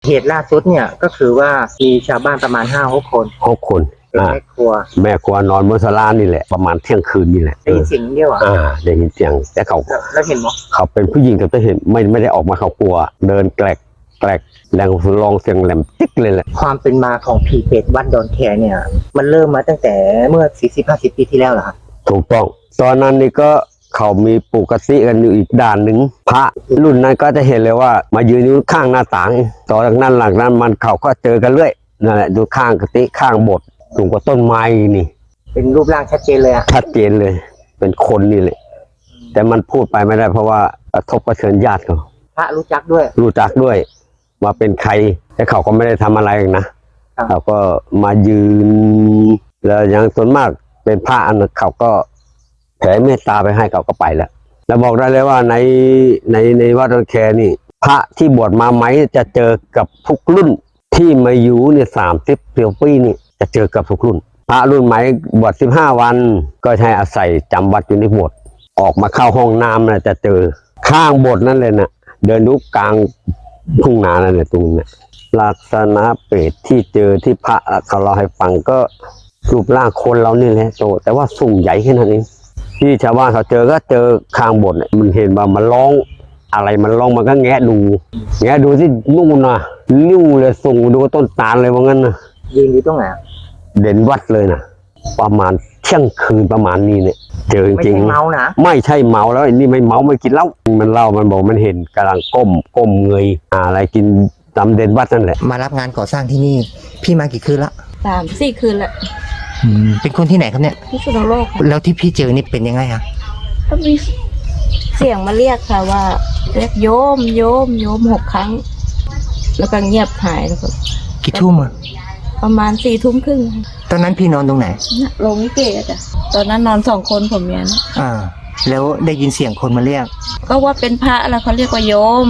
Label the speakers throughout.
Speaker 1: เหตุล่าสุดเนี่ยก็คือว่ามีชาวบ้านประมาณ5-6 คนเป็นแม่ครัวน
Speaker 2: อนบนศาลานี่แหละประมาณเที่ยงคืนนี่แหละ
Speaker 1: ได้ยินเสียงเดียว
Speaker 2: ได้ยินเสียงแต่
Speaker 1: แล้วเห็นไหม
Speaker 2: เขาเป็นผู้หญิงแต่เห็นไม่ได้ออกมาเขากลัวเดินแกลกแรงลองเสียงแหลมติ๊กเลยแหละ
Speaker 1: ความเป็นมาของผีเปรตวัดดอนแคเนี่ยมันเริ่มมาตั้งแต่เมื่อ 40-50 ปีที่แล้วเหรอครับ
Speaker 2: ถูกต้องตอนนั้นนี่ก็เขามีปกติกันอยู่อีกด้านหนึ่งพระรุ่นนั้นก็จะเห็นเลยว่ามายืนอยู่ข้างหน้าต่างต่อจากนั้นหลังนั้นมันเขาก็เจอกันเรื่อยนั่นแหละดูข้างกติข้างโบสถ์สูงกว่าต้นไม้นี่
Speaker 1: เป็นรูปร่างชัดเจนเลย
Speaker 2: ชัดเจนเลยเป็นคนนี่แหละแต่มันพูดไปไม่ได้เพราะว่ากระทบกระเทือนญาติเขา
Speaker 1: พระรู้จักด้วย
Speaker 2: ว่าเป็นใครแต่เขาก็ไม่ได้ทำอะไรนะเขาก็มายืนแล้วอย่างส่วนมากเป็นพระอันนั้นเขาก็แผ่เมตตาไปให้เขาก็ไปแล้วบอกได้เลยว่าในวัดดอนแคนี่พระที่บวชมาไหมจะเจอกับทุกรุ่นที่มาอยู่เนี่ย30 ปีนี่จะเจอกับทุกรุ่นพระรุ่นไหมบวช15 วันก็ใช้อาศัยจำวัดอยู่ในโบสถ์ออกมาเข้าห้องน้ำนะจะเจอข้างโบสถ์นั่นเลยนะเดินดูกลางทุ่งนานั่นแหละตรงนี้ลักษณะเปรตที่เจอที่พระเขาเล่าให้ฟังก็รูปร่างคนเรานี่แหละโตแต่ว่าสูงใหญ่แค่นั้นเองที่ชาวบ้านเขาเจอก็เจอข้างโบสถ์มันเห็นว่ามันร้องอะไรมันร้องมันก็แงะดูที่นู่นนะนิ้วเลยส่งดูต้นตาลเลยว่างั้นนะ
Speaker 1: ยืนอยู่ตรงไหน
Speaker 2: เด่นวัดเลยนะประมาณเที่ยงคืนประมาณนี้เนี่ยเจอจริง
Speaker 1: ไม่ใช่เมานะ
Speaker 2: ไม่ใช่เมาแล้วนี่ไม่เมาไม่กินเหล้ามันเล่ามันบอกมันเห็นกำลังก้มเงยอะไรกินตามเด่นวัดนั่นแหละ
Speaker 1: มารับงานก่อสร้างที่นี่พี่มากี่คืนละ
Speaker 3: 3-4 คืนละ
Speaker 1: เป็นคนที่ไหนครับเนี่ย
Speaker 3: พิษณุโลก
Speaker 1: แล้วที่พี่เจอนี่เป็นยังไงอะ
Speaker 3: ก็มีเสียงมาเรียกค่ะว่าเรียกโยม6 ครั้งแล้วก็เงียบหายแล้วก็
Speaker 1: กี่ทุ่มอะ
Speaker 3: ประมาณ4 ทุ่มครึ่ง
Speaker 1: ตอนนั้นพี่นอนตรงไหน
Speaker 3: โรงลิเกจ้ะตอนนั้นนอน2 คนผมเมียนะ
Speaker 1: แล้วได้ยินเสียงคนมาเรียก
Speaker 3: ก็ว่าเป็นพระแล้วเขาเรียกว่าโยม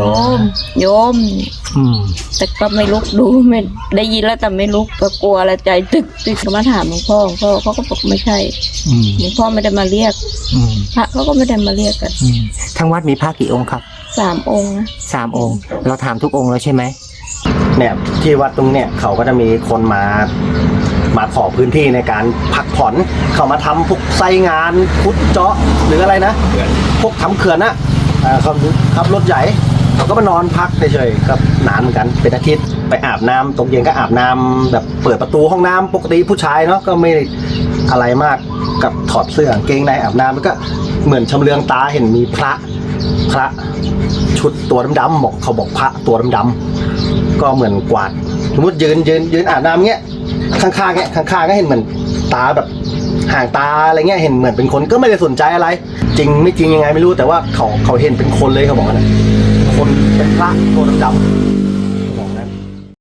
Speaker 3: แต่ก็ไม่ลุกดูไม่ได้ยินแล้วแต่ไม่ลุกก็กลัวแล้วใจตึกก็มาถามหลวงพ่อเขาก็บอกไม่ใช่หลวงพ่อไม่ได้มาเรียกพระเขาก็ไม่ได้มาเรียกกัน
Speaker 1: ทั้งวัดมีพระกี่องค์ครับ
Speaker 3: 3 องค์นะ
Speaker 1: 3 องค์เราถามทุกองค์แล้วใช่ไหม
Speaker 4: เนี่ยที่วัดตรงเนี่ยเขาก็จะมีคนมาขอพื้นที่ในการพักผ่อนเขามาทำพวกไซงานพุทธเจาะหรืออะไรนะพวกทำเขื่อนนะเขาขับรถใหญ่เขาก็มานอนพักเฉยๆครับนานเหมือนกันเป็นอาทิตย์ไปอาบน้ำตกเย็นก็อาบน้ำแบบเปิดประตูห้องน้ำปกติผู้ชายเนาะก็ไม่อะไรมากกับถอดเสื้อเกงในอาบน้ำแล้วก็เหมือนชำเลืองตาเห็นมีพระชุดตัวดำๆเขาบอกพระตัวดำๆก็เหมือนกวาดสมมติยืนอาบน้ำเงี้ยข้างๆเงี้ยข้างๆก็เห็นเหมือนตาแบบห่างตาอะไรเงี้ยเห็นเหมือนเป็นคนก็ไม่ได้สนใจอะไรจริงไม่จริงยังไงไม่รู้แต่ว่าเขาเห็นเป็นคนเลยเขาบอกนะคนเป็นพระตัวดำ